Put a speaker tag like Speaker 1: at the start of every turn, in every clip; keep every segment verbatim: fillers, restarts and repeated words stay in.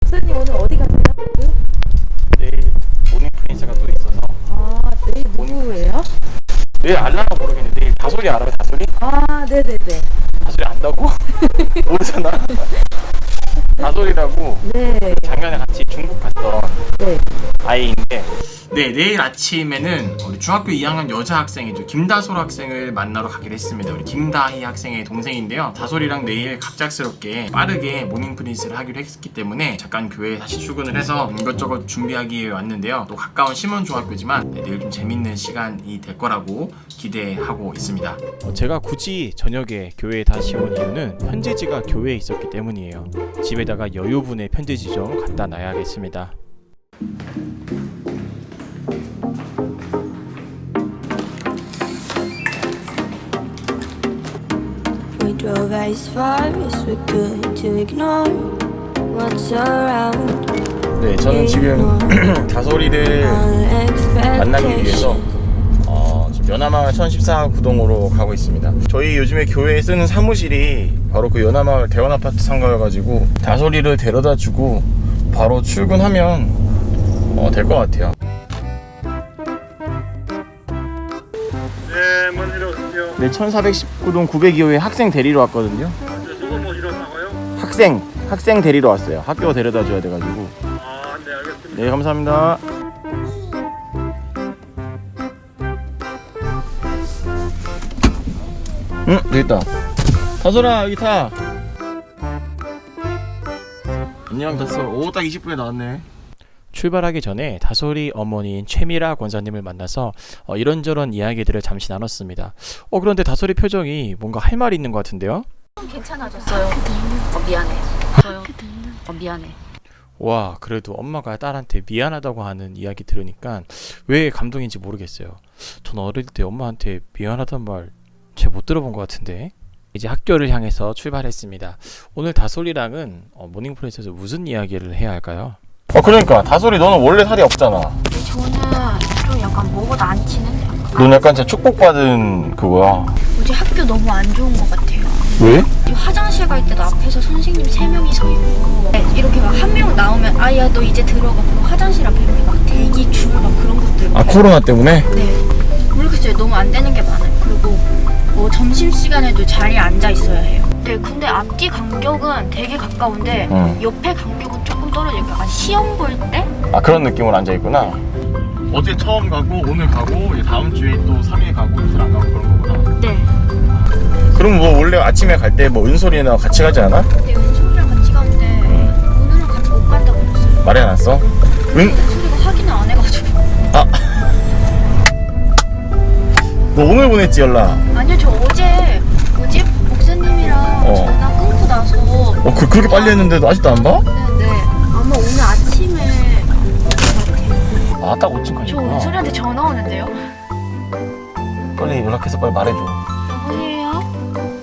Speaker 1: 목사님 오늘 어디 가세요?
Speaker 2: 내일 모닝 프린스가 또 있어서.
Speaker 1: 아, 내일 누구예요?
Speaker 2: 내일 알라나 모르겠는데 내일 다솔이 알아요? 다솔이?
Speaker 1: 아, 네네네.
Speaker 2: 다솔이 안다고? 모르잖아. 다솔이라고
Speaker 1: 네.
Speaker 2: 작년에 같이 중국 갔던
Speaker 1: 네.
Speaker 2: 아이인데, 네, 내일 아침에는 우리 중학교 이 학년 여자 학생이죠, 김다솔 학생을 만나러 가기로 했습니다. 우리 김다희 학생의 동생인데요. 다솔이랑 내일 갑작스럽게 빠르게 모닝 프린스를 하기로 했기 때문에 잠깐 교회에 다시 출근을 해서 이것저것 준비하기 위해 왔는데요. 또 가까운 심원중학교지만 네, 내일 좀 재밌는 시간이 될 거라고 기대하고 있습니다. 어, 제가 굳이 저녁에 교회에 다시 온 이유는 편지지가 교회에 있었기 때문이에요. 집에다가 여유분의 편지지 좀 갖다 놔야겠습니다.
Speaker 3: We drove as far as we could to ignore what's around.
Speaker 2: 네, 저는 지금 다솔이를 만나기 위해서 어, 지금 연화마을 천십사 구동으로 가고 있습니다. 저희 요즘에 교회에 쓰는 사무실이 바로 그 연화마을 대원아파트 상가여가지고 다솔이를 데려다주고 바로 출근하면 어, 될 것 같아요.
Speaker 4: 네, 먼저 오세요.
Speaker 2: 네, 천사백십구 동 구백이 호에 학생 데리러 왔거든요.
Speaker 4: 누구 모시러 나가요?
Speaker 2: 학생, 학생 데리러 왔어요. 학교 데려다줘야 돼가지고.
Speaker 4: 아, 네, 알겠습니다.
Speaker 2: 네, 감사합니다. 응, 여기 있다. 다솔아, 여기 타. 안녕, 다솔. 오, 딱 이십 분에 나왔네. 출발하기 전에 다솔이 어머니인 최미라 권사님을 만나서 어, 이런저런 이야기들을 잠시 나눴습니다. 어, 그런데 다솔이 표정이 뭔가 할 말이 있는 것 같은데요?
Speaker 5: 괜찮아졌어요. 어, 미안해. 저요. 어, 미안해.
Speaker 2: 와, 그래도 엄마가 딸한테 미안하다고 하는 이야기 들으니까 왜 감동인지 모르겠어요. 전 어릴 때 엄마한테 미안하단 말 잘 못 들어본 것 같은데. 이제 학교를 향해서 출발했습니다. 오늘 다솔이랑은 어, 모닝 프린스에서 무슨 이야기를 해야 할까요? 어, 그러니까 다솔이 너는 원래 살이 없잖아.
Speaker 5: 저는 좀 약간 먹어도 안 치는데 약간.
Speaker 2: 넌 약간 진짜 축복받은 그거야.
Speaker 5: 어제 학교 너무 안 좋은 것 같아요.
Speaker 2: 왜?
Speaker 5: 화장실 갈 때도 앞에서 선생님 세 명이 서 있고 네, 이렇게 막 한 명 나오면 아야 너 이제 들어가. 그리고 화장실 앞에 이렇게 막 대기 줄 막 그런 것들.
Speaker 2: 아, 코로나 때문에?
Speaker 5: 네. 모르겠어요. 너무 안 되는 게 많아요. 그리고 뭐 점심시간에도 자리에 앉아 있어야 해요. 네, 근데 앞뒤 간격은 되게 가까운데
Speaker 2: 응.
Speaker 5: 옆에 간격은 조금 떨어져요. 약간 시험 볼 때?
Speaker 2: 아, 그런 느낌으로 앉아있구나. 어제 처음 가고 오늘 가고 이제 다음 주에 또 삼 일 가고 이틀 안 가고 그런 거구나.
Speaker 5: 네.
Speaker 2: 그럼 뭐 원래 아침에 갈 때 뭐 은솔이나 같이 가지 않아?
Speaker 5: 근데 은솔이랑 같이 가는데
Speaker 2: 응.
Speaker 5: 오늘은 같이 못 간다고 그랬어요.
Speaker 2: 말해놨어? 은?
Speaker 5: 은솔이가 확인을 안 해가지고.
Speaker 2: 아, 너 오늘 보냈지 연락?
Speaker 5: 아니요, 저 어제 어제 목사님이랑
Speaker 2: 어.
Speaker 5: 전화 끊고 나서.
Speaker 2: 어, 그, 그렇게 빨리 했는데도 아직도 안 봐?
Speaker 5: 네네. 아마 오늘 아침에 올 것 같아요.
Speaker 2: 아, 딱 오층까지.
Speaker 5: 저 은솔이한테 전화 오는데요.
Speaker 2: 빨리 연락해서 빨리 말해줘.
Speaker 5: 여보세요?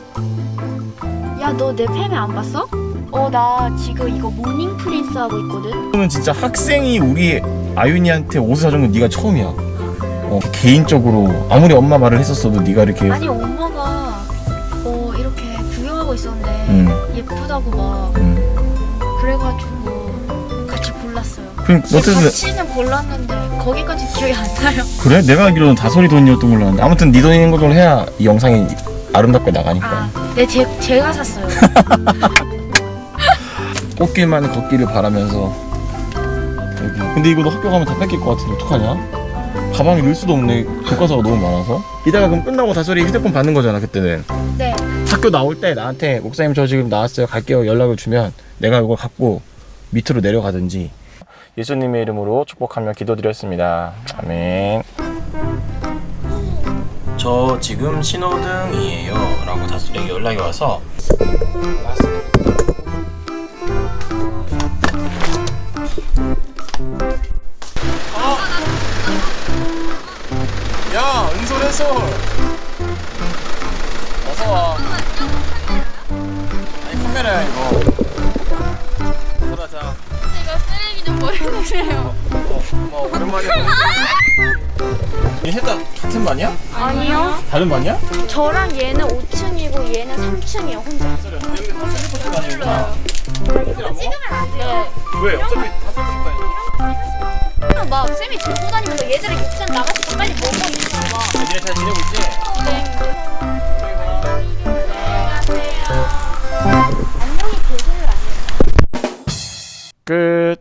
Speaker 5: 야, 너 내 팸에 안 봤어? 어, 나 지금 이거 모닝 프린스 하고 있거든.
Speaker 2: 너는 진짜 학생이 우리 아윤이한테 옷을 사준 건 네가 처음이야. 어, 개인적으로 아무리 엄마 말을 했었어도 네가 이렇게.
Speaker 5: 아니, 엄마가 어 이렇게 구경하고 있었는데
Speaker 2: 응.
Speaker 5: 예쁘다고 막
Speaker 2: 응.
Speaker 5: 그래가지고 같이 골랐어요.
Speaker 2: 그럼 어쨌든
Speaker 5: 같이는 골랐는데 거기까지 기억이 안 나요.
Speaker 2: 그래? 내가 알기로는 다솔이 돈이었던 걸로 아는데 아무튼 네 돈인 걸로 해야 이 영상이 아름답게 나가니까.
Speaker 5: 아, 네, 제, 제가 샀어요.
Speaker 2: 꽃길만 걷기를 바라면서 여기. 근데 이거 너 학교 가면 다 뺏길 것 같은데 어떡하냐? 가방에 넣을 수도 없네. 교과서가 너무 많아서. 이따가 그럼 끝나고 다솔이 휴대폰 받는 거잖아 그때는.
Speaker 5: 네.
Speaker 2: 학교 나올 때 나한테 목사님 저 지금 나왔어요 갈게요 연락을 주면 내가 이걸 갖고 밑으로 내려가든지. 예수님의 이름으로 축복하며 기도드렸습니다. 아멘. 저 지금 신호등이에요 라고 다솔에게 연락이 와서 왔습니다. 어? 야, 은솔 은솔 어서와. 아니 카메라야 이거. 들어가자.
Speaker 5: 제가 쓰레기 좀 버려주세요.
Speaker 2: 어, 뭐 오랜만에 얘 셋 다 같은 반이야?
Speaker 5: 아니요.
Speaker 2: 다른 반이야?
Speaker 5: 저랑 얘는 오 층이고 얘는 삼 층이요, 혼자.
Speaker 2: 다니구나.
Speaker 5: 찍으면 안 돼요.
Speaker 2: 왜? 어차피 다 쓰고 싶다.
Speaker 5: 그냥 막 쌤이 들고 다니면서 얘들이 육전 나가서 빨리 먹어 이러고 막.
Speaker 2: 니네 잘 지내고 있지?
Speaker 5: 안녕히 계세요 아니에요.
Speaker 2: 끝.